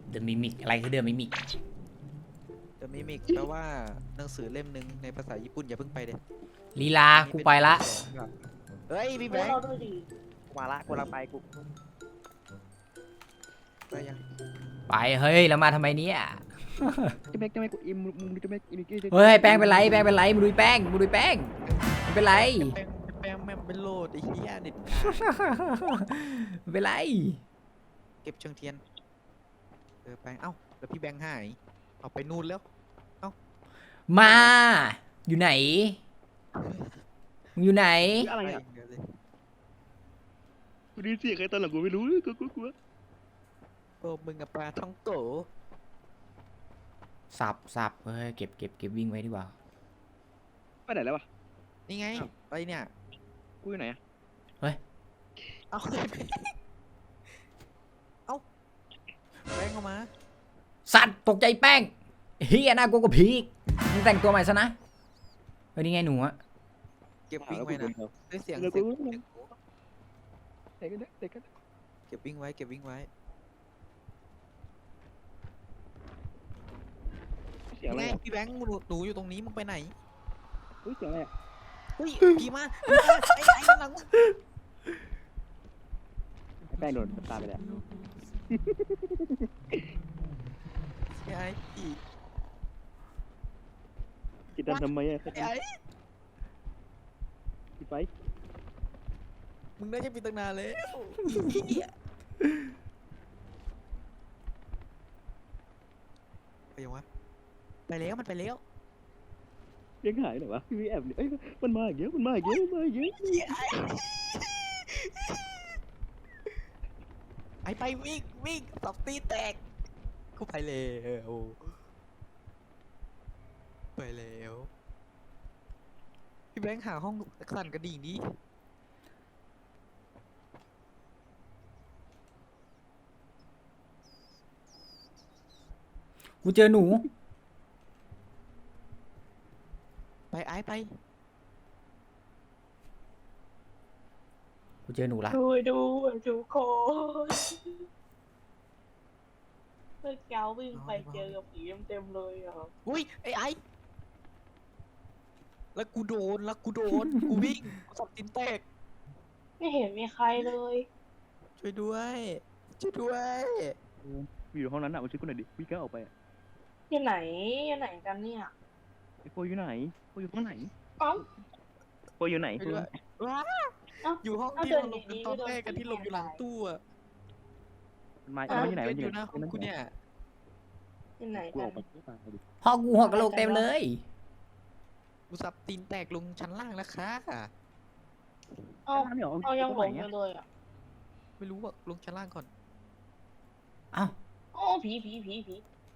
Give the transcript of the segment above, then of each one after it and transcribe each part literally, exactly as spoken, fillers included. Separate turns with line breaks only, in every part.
The Mimic อะไรคือ The Mimic
The Mimic แปลว่าหนังสือเล่มหนึ่งในภาษาญี่ปุ่นอย่าเพิ่งไปเด็ด
ลีลากูไปละ
เฮ้ยพี่แบ
แล้ว
ง
เรา
ค์
ด้วยดิ
มาละกูลังไปกูไปยัง
ไปเฮ้ยแล้วมาทำไมเนี่ย
จะแม็กจะแม็กอิมมึงจะแม็กอิม
เฮ้ยแป้งเป็นไรแป้งเป็นไรมึงดูแป้งมึงดูแป้งมันเป็นไร
แป้งแป้งแม่งเป็นโลดไอ้เหี้ยเด็ด
มันเป็นไร
เก็บเชิงเทียนเออไปเอ้าแล้วพี่แบงค์หายเอาไปนู่นแล้ว
มาอยู่ไหนมึงอยู่ไหน
อะไร
ไป
อ่ะ
เดี๋ยวเลย
กูได้ยินเสียงใครตอนหลังกูไม่รู้กูกูกู
โอ้มึงกับปลาท่องโก
สับสับเฮ้ยเก็บเก็บเก็บวิ่งไว้ดีกว่า
ไปไหนแล้ววะ
นี่ไงไปเนี่ย
กูอยู่ไหนอ่ะ
เอ้าเอ้าแบงค์เข้ามา
สัตว์ตกใจแป้งเฮียน่ากลัวกว่าผีอีกมึงแต่งตัวใหม่ซะนะเฮ้ยนี่ไงหนูอะ
เก็บวิ่งไว้นะได้เสียง
เดี๋ยว
เสียง
กู
เสียง
เด็กกันเด็กกัน
เก็บวิ่งไว้เก็บวิ่งไว้
เสียงอะไร
ไง
อ่ะ
พี่แบงค์หนูหนูอยู่ตรงนี้มึงไปไหน
เฮ้ยเสียงอะไรอ่ะ
เฮ้ยผีมาผีมาไอ้ไอ้ข้างหลังมึง
แป้งโดนตาไปแล้ว
ไอ้ไอ้ผี
กินดันทำไมอ่ะ
ไอ้ไอ้
ปิดไฟ
มึงได้จะปิดตั้งนานแล้วไปยังวะไปแล้วมันไปแล้ว
ยังหายเหรอวะพี่แอบเอ้ยมันมาอย่างเงี้ยมันมาอย่างเงี้ยมันมาอย่างเงี้ย
ไอ้ไปวิ่งวิ่งตบตีแตกกูไปแล้วไปแล้วพี่แบงค์หาห้องสั่นกระดิ่งดิ
กูเจอหนู
ไปไอ้ไป
กูเจอหนูละ
ดูดูดูโคเมื่อเก้าวิ่งไปเจอกับผีเต็มๆเลยอ่ะ
อุ้ยไอ้ไอ้แล้วกูโดนแล้วกูโดน กูวิ่งกูสับตีนแตก
ไม่เห็นมีใครเลย
ช่วยด้วยช่วยด้วย
อยู่ห้องนั้นอ่ะมาช่วยกูหน่อยดิพี่แกออกไปอ่ะ
อยู่ไหนอยู่ไหนกันเนี่ย
ไอ้โฟอยู่ไหนโฟอยู่ห้องไหน
เอ้า
โฟอยู่ไหน
ช่วยด้วยว้า
เอ้า
อยู่ห้อง
เอา
ที่
เดิ
เรา
น
หลบกัน
ดีๆ
ตอน
ก็เดิน
แรกกันที่หลบอยู่หลังตู้อะ
มันมา
เอ้า
มันอยู่ไหน
เดิ
มัน
น
อ
อยู่ ยู่หน้าห้องกูเนี่ย
อยู่ไหน
กู
กั
อน อกไปตายดิ
พ่อกูหัวกะโหลกเต็มเลย
กูสับตีนแตกลงชั้นล่างแล้วค่ะ
เอ้า
ไม่หรอ
เอายังหลงอ
อ่ะ
ยู่เลยอ่ะ
ไม่รู้ว่าลงชั้นล่างก่อน
เอ้า
โอ้ผีผีผีผี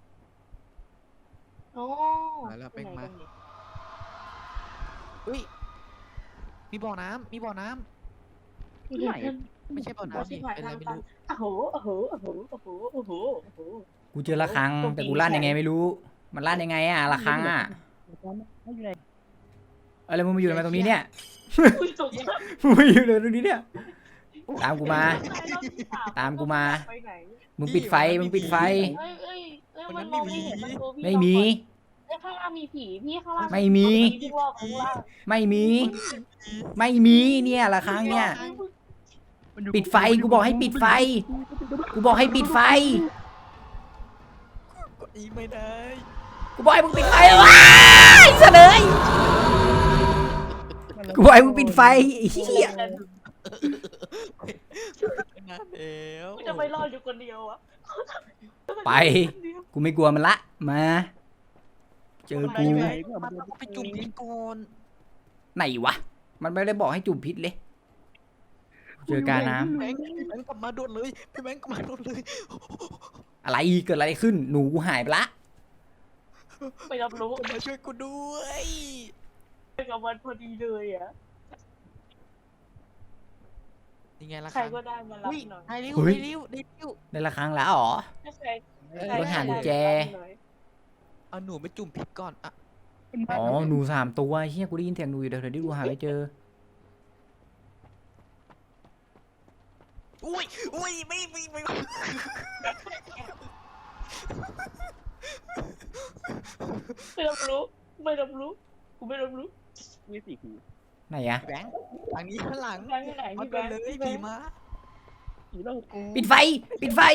โอ้
มาแล้ว
ไป
แป้ง
ไหน
มา
กันเนี่ย
เฮ้ยมีบ่อน้ำมีบ่อน้ำ
อยู่ไหนกัน
ไม่ใช่บ่อ
โอ้
น้ำ
ชิ
นี่
บหาย
เป็นอะไร
ทาง
ไม่
ตัน
รู้
โอ้โหโอ้โหโอ้โหโอ้โหโอ้โหโอ้โหโอ้โห
กูเจอระฆังแต่กูลั่นยังไงไม่รู้ มันลั่นยังไงอะระฆังอะ
ไม่อยู่ไหน
อะไรมึงมาอยู่ทำไมตรงนี้เนี่ย
อุ้ยตกใจ
มึงมาอยู่เลยตรงนี้เนี่ย ตามกูมา
รอบที่ส
ตามกูมา
ไปไหน
มึงปิดไฟมึงปิดไฟ
เอ้ยเอ้ยเอ้ยมันมองไม่เห็นมันตัวพี่
ไม่มี
เอ้ยข้างล่างมีผีพี่ข้างล่าง
ไม่มี
พี่รอบข้างล่าง
ไม่มี ไม่มีเนี่ยระฆังเนี่ย ปิดไฟกูบอกให้ปิดไฟ กูบอกให้ปิดไฟ
กดอีไม่ได้
กูบอกให้มึงปิดไฟว้ายเสลยกูบอกให้มึงปิดไฟไอ้เหี้ย
นานแล้ว
กูจะไปรอดอยู่คนเดียวอะ
ไป กูไม่กลัวมันละ มา เจอกู
ไปมันต้องไปจุ่มพิษก่อน
ไหนวะ มันไม่ได้บอกให้จุ่มพิษเลย เจอกาน้
แบงค์พี่แบงค์กลับมาโดนเลยพี่แบงค์กลับมาโดนเลย
ำอะไรเกิดอะไรขึ้น หนูกูหายไปละ
ไปรับรู้
มาช่วยกูด้วย
ไปกับมันพอดีเลยอะ
นี่ไงล่ะ
ใครก็ได้มารับ
อุ้ย
หน่อย
ได้ริ้ว
เฮ้ย
ได้ริ้วได้ริ้ว
ในละครั้งแล้วเหรอ
ถ้าใคร
เออ
ใคร
รถหากุญแจ
ได้มารับหน่อย
เอาหนูไปจุ่มพิษก่อนอะ
อ๋อ หนูสามตัวเฮียกูได้ยินเสียงหนูอยู่เดี๋ยวเดี๋ยวดิกูหาไม่เจอ
อุ้ยอุ้ยไม่ไม่ไม่
ไม่รับรู้ไม่รับรู้กูไม่รับรู้
ไม่สี่กู
ไหนอะ
พี่แบงค์ทางนี้ข้างหลัง
แบงค์ที่ไหน
มา
พี่แบ
ก่อน
งค์
เลย
พี่แบ
ผี
งค์
มา
ผีเล่ากู
ปิดไฟปิดไฟ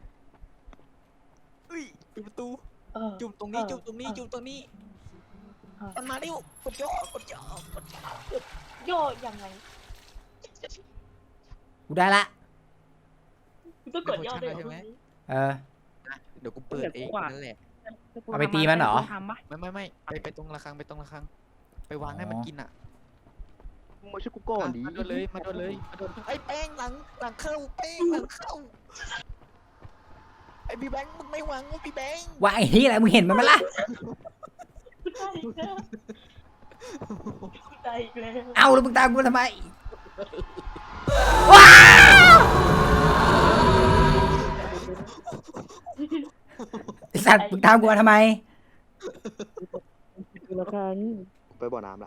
อุ้ยปิดประตู
เออ
จุ่มตรงนี้จุ่มตรงนี้จุ่มตรงนี้
เออ
มันมาเร็วกดย่อกดย่อกดย่อ
โย่ยังไง
กูได้ละ
กูต้องกดย่อด้วยเหรอ
เออ
เดี๋ยวกูเปิดเองนั่นแหละ
เอาไปตีมันเหรอ
ทำปะ
ไม่ไม่ไม่ไปไปตรงระฆังไปตรงระฆังไปวางให้มันกินอ่ะ
มึงมาช่วยกูก่อนดิ
มาโดนเลยมาโดนเลยมาโดนไอ้แป้งหลังหลังเข้าแป้งหลังเข้าไอ้พี่แบงค์มึงไม่วางวะพี่แบงค์
ว่าไอ้เหี้ยอะไรมึงเห็นมันไหมล่ะ
กูตายอีกแล้วกูตายอีกแล้ว
เอาแล้วมึงตามกูมาทำไมว้าวไอสัตว์มึงตามกูมาทำไม
คือละครั้งไปบ่อน้ำละ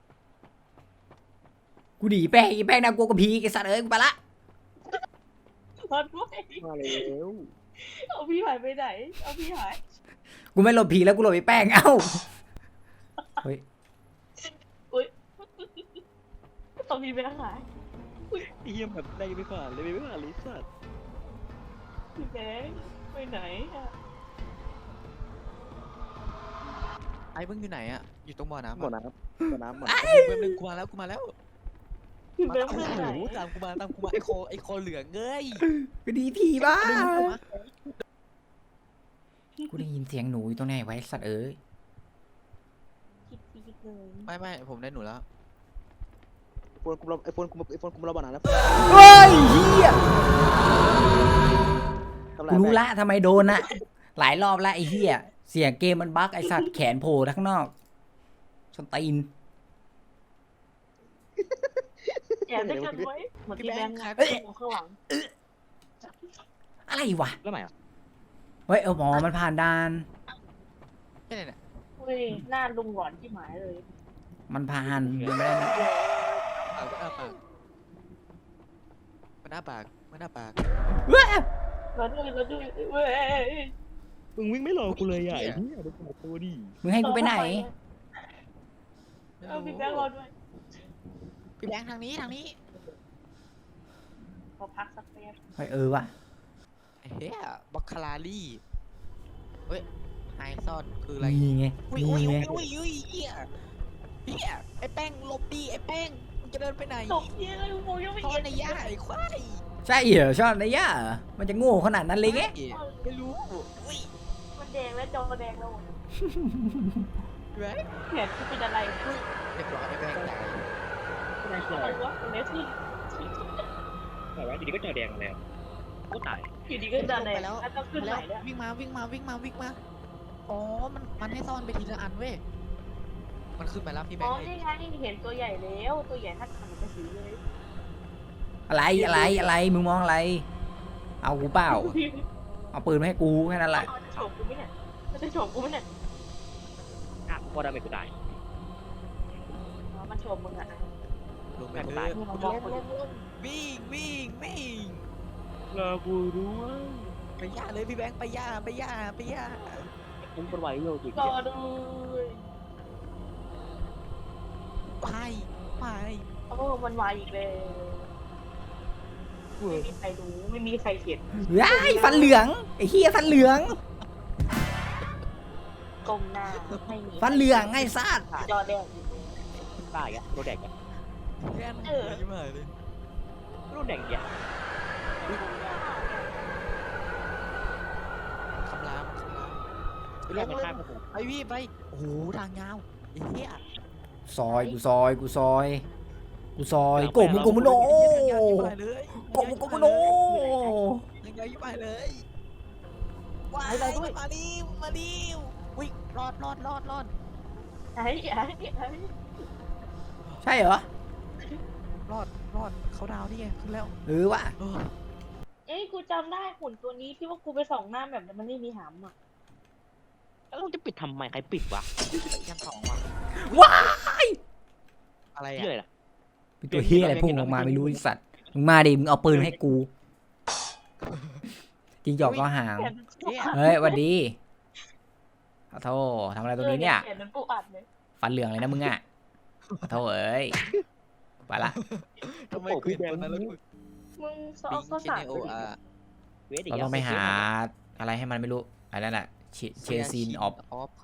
กูหนีแป้งไอ้แป้งน่ากลัวกว่าผีไอสัตว์เอ้ยกูไปละ
รอดด้วย
มาแล้ว
เอาพี่หายไปไหนเอาพี่หาย
กูไม่หลบผีแล้วกูหลบไอ้แป้งเอ้าเฮ้ย
เอาพี่ไปหาย
เฮียแบบได้ไม่ผ่านเลยไม่ผ่านเลยสัตว์
พี่แบงค์ไปไหนอะ
ไอ้มึงอยู่ไหนอ่ะอยู่ตรงบ่อน้ำ
บ่อ
อะ
น้ำบ่อน้ำบ่อ
ไอ้
น้ำ
แป๊บนึงกูมาแล้วกูมาแล้ว
พี่
มา
แบง
ตาม
ค์ไปไหน
กูตามกูมาตามกูมาไอ้คอไอ้คอเหลืองเอ้ย
กูหนีผีบ้ากูได้ยินเสียงหนูอยู่ตรงไหนไว้สัตว์เอ้ย
คิดคิดเลย
ไม่ไม่ผมได้หนูแล้ว
ไอโฟนกูเราไอโฟนกูไอโฟนกูเราบ่อน้ำแล้ว
เฮ้ยเฮีย
ทำไร
กูรู้ละทำไมโดนนะหลายรอบละไอ้เฮียเสียงเกมมันบั๊กไอสัตว์แขนโผล่ข้างนอกสนตีน
แอบได้กันไว้เหมือนพี่แบงค์ครับข้างหลัง
อะไรวะ
แล้วไหนอ่ะ
เฮ้ยเออหมอมันผ่านด่าน
แค่ไหนเนี่ย
เฮ้ยหน้าลุงหลอนที่หมายเลย
มันผ่านมันไม่ได้นะ
ปากมันอ้าปากมันอ้าปากมันอ้าปาก
เว้ย
แล้วด้วยแล้วด้วยเว้ย
มึงวิ่งไม่รอกูเลยอ่ะไอ้เหี้ยดูตัวดิ
มึงให้กูไปไหน
เออพี่แบงค์รอด้วย
พี่แบงค์ทางนี้ทางนี้
ขอพักสักแป๊บ
เฮ้ยเออว่ะ
ไอ้เฮียบัคคาราลี่เฮ้ยไฮซอนคืออะไร
นี่ไง
อุ้ยอุ้ย
นี่ไง
อุ้ยอุ้ยเฮียเฮียไอ้แป้งหลบดีไอ้แป้งมึงจะเดินไปไหน
ตกเย็นเลยกูยังไม่
ซ่อ
เห็
น
น
ในหญ้าไอ้ควาย
ใช่เหรอชอบนายย่าเหรอมันจะโง่ขนาดนั้นเลยไง
ไม่รู้อุ้ย
มันแดงแล้วจอแดงแล้ว
พี่แบงค์
เห็นกูเป็นอะไร
เรียบร้อยไอ้แป้งตาย
ไม่ได้
อะไรวะเนสซี่
แต่ว่าอยู่ดีก็จอแดงแล้วกูตาย
อยู่ดีก็จะแดงแล้วต้องขึ้นไหน
แล้ว
เนี่ย
วิ่งมาวิ่งมาวิ่งมาวิ่งมาอ๋อมันมันให้ซ่อนไปทีละอันเว้ยมันขึ้นไปแล้วพี่แบ
อ๋
ง
อ
ค์
นี่ไงเห็นตัวใหญ่แล้วตัวใหญ่ถ้าทำเป็นสีเลย
อะไรอะไรอะไรมึงมองอะไร เอากูเปล่าเอาปืนมาให้กูแค่นั้นแหละ
มันจะโฉบกูไหมเนี่ยมันจะโฉบกูไหมเนี่ย
อ่ะพอดาเมจกูตาย
อ๋อมันโฉบมึงอ่ะ
ลงไป
แม่ง
เล
ตาย
ยวิ่งวิ่งวิ่ง
รอกูด้วย
ไปย่าเลยพี่แบงค์ไปย่าไปย่าไปย่า
มึงเป็นไหวโยกิ
รอด้วย
ไปไป
โอ้มันวายอีกเลยไม่มีใครรู้ไม่มีใครเห็น
ว้ายฟันเหลืองไอ้เฮียฟันเหลือง
กลมหน้าไม่มี
ฟันเหลืองไอ้สัตว์
จอแดง
ตายอ่ะโดนแดงอ่ะ
แค่นั้นยิ้มหายเลย
โดนแดงอ่ะ
คำรามคำรามไป
แร
ล
ก
ง
มัน
เลย
ฆ่ากู
ไปพี่ไปโอ้โหทางยาวไอ้เหี้ย
ซอยกูซอยกูซอยกูซอยโกมุโกมุโน
ทางยาวยิ้มหายเลย
โกมุโกมุโน
ทางยาวยิ้มหายเลยว้ายมาดิมาดิวิ่งรอดรอดรอดรอด
ไอ้ไอ้ไอ้
ใช่เหรอ
รอดรอดเขาดาวนี่ไงขึ้นแล้ว
หรือว่ะ
เออ
เอ้ยกูจำได้หุ่นตัวนี้ที่ว่ากูไปส่องหน้าแบบมันไม่มีหำอ่ะ
แล้วมึงจะปิดทำไมใครปิดวะ
ยังสองว่ะ
ว้าย
อะไร
เหี้ย
อ่ะ
อะไรล่ะ
เป็นตัวเฮียอะไรพุ่งออกมาไม่รู้ไอ้สัตว์มึงมาดิมึงเอาปืนให้กูจิงจอกก็หาง
แขนมันปูอัด
เฮ้ยหวันดีขอโทษทำอะไรตรงนี้เนี่ย
แขนมันปูอัดเลย
ฟันเหลืองเลยนะมึงอ่ะขอโทษเอ้ยไปละ
ทำไมกูเห็นตัวนั้นแล้วกู
มึงเขา
บิ
เอา
ง
ข้าว
เค
สาร
เนโอ
ไปดิ
อา
เวทอีก
เรา
แล้ว
ต้องไปหาอะไรให้มันไม่รู้อะไรนั่นแหละเชซีนออฟ
ออฟ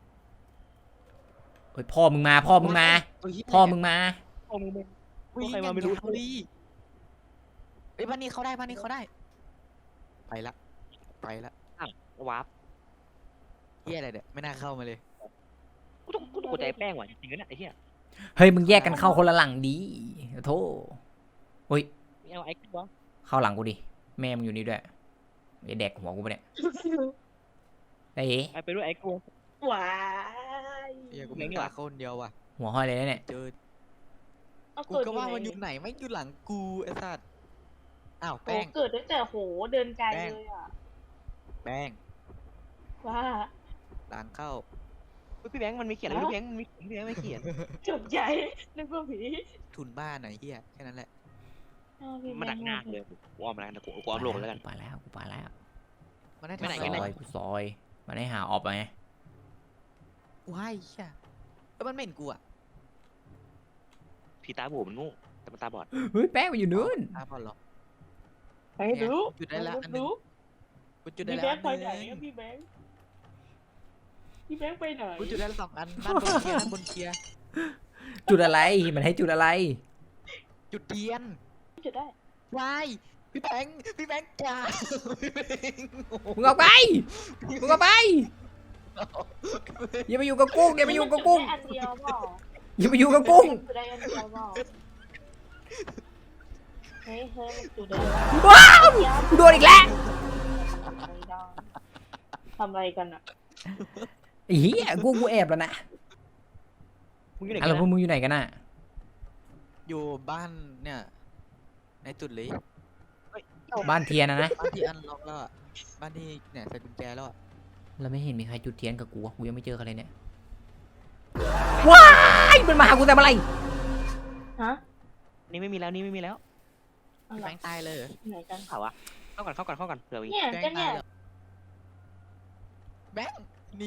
เฮ้ยพ่อมึงมาพ่อมึงมา พ่อมึงมา
พ่อมึงมึง
วิ่ง
ใครมาไม่รู้
พอดีเฮ้ยบ้านนี้เขาได้บ้านนี้เขาได้ ไปละไปละ
วาร์ป
เฮียอะไรเนี่ยไม่น่าเข้ามาเลย
กูต้องกูต้องกดใจแป้งว่ะจริงๆนะเนี่ยไอ้เหี้ย
เฮ้ยมึงแยกกันเข้าคนละหลังดีโธ่เฮ้ย
ไม่เอาไอ้กูวะ
เข้าหลังกูดิแม่มึงอยู่นี่ด้วยไอ้แดกหัวกูปะเนี่ยไอ้เอ๋
ไอ้ไปด้วยไอ้กู
ว้าย
เฮียกูไม่กล้าเข้าคนเดียวว่ะ
หัวห้อยเลยนะเนี่ย
เจอ
เอา
กู
เกิด
ก็ว่า
ไห
มันอยู่ไหนไม่อยู่หลังกูไอ้สัตว์อ้าว
โอ้
แป้ง
เกิดตั้งแต่โหเดินไกล
แป้ง
เลยอ่ะ
แป้ง
ว่า
หลังเข้า
เฮ้ยพี่แบงค์มันมีเขียนอะไรพี่แบงค์มันมีพี่แบงค์ไม่เขียน
จบใจนึกว่าผี
ทุนบ้านไหนเฮียแค่นั้นแหละ
เอาพี่
มันหนักหน้าเลยกูอ้อมแล้วกันกูกูอ้อมโลกแล้วกัน
ไปแล้วกูไปแล้ว
มันได้
ไปไหน
ทำ
ซ
อะไร
อยกูซอยมันให้หาออกไปไง
ว้ายเฮียแล้วมันไม่เห็นกูอ่ะ
ผีตาโบมันโง่แต่มันตาบอด
เฮ้ยแป้งมันอยู่นู้น
อ้าวพอเหรอ
ไปดู
จุดได้ละอันหนึง
ดู
กูจุดได้
พี่
แล้
แบ
ว
ง
อั
ค์
นห
ไป
นึ
ไหน
ง
อะพี่แบงค์พี่แบงค์ไปไหน
กูจุดได้แล้วสองอันด้านบนเคลียร์ด้านบนเคลียร์
จุดอะไรมันให้จุดอะไร
จุดเทียน
จะได้
วายพี่แบงค์พี่แบงค์จ้าพี่แบงค์โอ้โห
มึงออกไปมึงออกไปอย่ามาอยู่กับกุ้งอย่ามาอยู่กับกุ้ง
อันเดียวเปล่า
อย่ามาอยู่กับกุ้ง
จุดได้อันเดียวเปล่าเฮ้ยเฮ้ยมันจุดได้
ว้าวกูโดนอีกแล้ว
ไม่ได้ทำอะไรกันอ่ะ
ไอ้เหี้ยกูกูแอบแล้วนะ
มึงอยู่ไหน
อะ
กั
ไร
น
พวก
นะ
มึงอยู่ไหนกันน่ะ
อยู่บ้านเนี่ยในจุดเลย
บ้านเทียนนะนะ
บ้านที่อันล็อกแล้วอะบ้านที่เนี่ยใส่กุญแจแล้วอะ
เราไม่เห็นมีใครจุดเทียนกับกูอะกูยังไม่เจอใครเลยเนี่ยว้ายมันมาหากูแต่เมื่อไหร่
ฮะ
นี่ไม่มีแล้วนี่ไม่มีแล้ว
อะ
พี่
ไร
แบงค์ตายเลยเหรอ
ไหนกัน
เผาวะเข้าก่อนเข้าก่อนเข้าก่อนเผื่อมี
เนี่ย
แบง
ก็
ค์
เนี่
ตาย
ย
เลยแบงค์หนี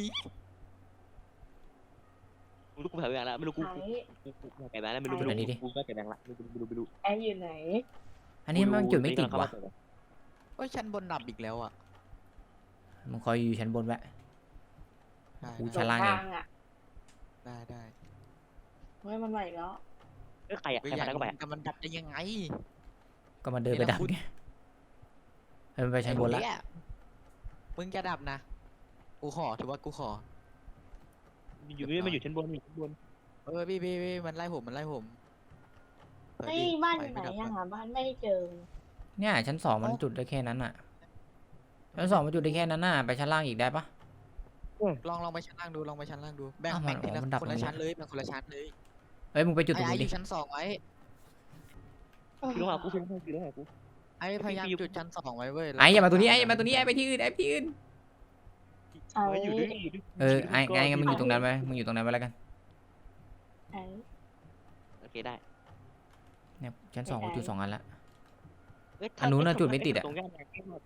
ไม่รู้กูเผาอย่างแล้วไม่รู้กู
ไหน
กูกูกูแก่แบงค์แล้วไม่รู้ไม่รู้กูก็แก่แบงค์ละไม่รู้ไม่รู้ไม่รู้
แอร์อยู่ไหน
อันนี้มันจุดไม่ติดวะ
โอ้ยชั้นบนดับอีกแล้วอะ
มึงคอยอยู่ชั้นบนไว้
ได้
กู
หล
ชั้นล่าง
ท
เอง
อ่ะ
ได้ได้
เฮ้ยมันใหม่แล้ว
เอ้ยใครอะ
ก็
ใคร
อยา
มาก ได้ก็ไป
รู้แต่มันดับได้ยังไง
ก็มาเดินไปดับไงเฮ้ยมันไปชั้นบนละ
ไอ้เหี้ยมึงจะดับนะกูขอถือว่ากูขอ
อยู่นี่มันอยู่ชั้นบนอยู่ชั้นบน
เออพี่พี่พี่มันไล่ผมมันไล่ผมเปิด
เฮ้ย
ดิ
บ้าน
ป
อยู่ไหน
ม่ดับ
ยัง
อะ
หาบ้านไม่เจอ
เนี่ยชั้นสองมันจุดได้แค่นั้นน่ะชั้นสองมันจุดได้แค่นั้นน่ะไปชั้นล่างอีกได้ปะ
ลองลองไปชั้นล่างดูลองไปชั้นล่างดูแบ่ง
อ้าวมัน
แบ่งทีละ
อ๋อมันดับ
คน
ตร
ละ
งนี้
ชั้นเลยแบ่งคนละชั้นเลย
เอ้ยมึงไปจุดต
ไอ้
รง
ไอ้
นี้
อ
ดิ
ยู่ชั้นสองไว้
อยู่หากูชั้นสองอยู่หากู
ไอ้พยายามจุดชั้นสองไว้เว้ย
ไอ้อย่ามาตัวนี้ไอ้อย่ามาตัวนี้ไอ้ไปที่อื่นไอ้ไปที่อื่น
ไอ้
เฮ้ยอยู่ด้วยอยู่ด้วย
เออไอ้ไอ้งั้นมึงอยู่ตรงนั้นไว้มึงอยู่ตรงนั้นไว้แล้วกัน
ไอ้
โอเคได้
เนี่ยชั้นสองกูจุดสองอันละ
เอ้ย
อันนู้นน่ะจุดไม่ติดอะ
ตรงย่านไหน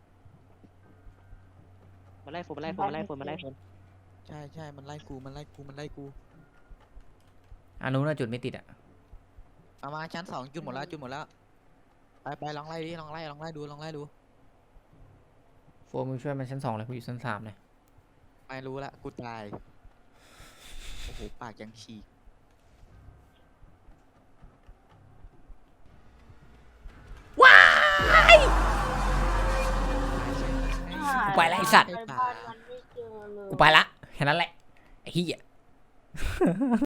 มาไล่โฟมมาไล่โฟมมาไล่โฟมมาไล่โฟม
ใช่ใช่มันไล่กูมันไล่กูมันไล่กู
อันนู้นน่ะจุดไม่ติดอ่ะ
เอามาชั้นสองจุดหมดแล้วจุดหมดแล้วไปไปลองไล่ดิลองไล่ลองไล่ดูลองไล่ดู
โฟมมึงช่วยมันชั้นสองเลยกูอยู่ชั้นสามเลย
ไม่รู้ละกูตายโอ้โหปากยังฉีก
กูไปละไอ้สัตว์
ไปบ้านมันไม่เจอเลย
กูไปละแค่นั้นแหละไอ้เหี้ย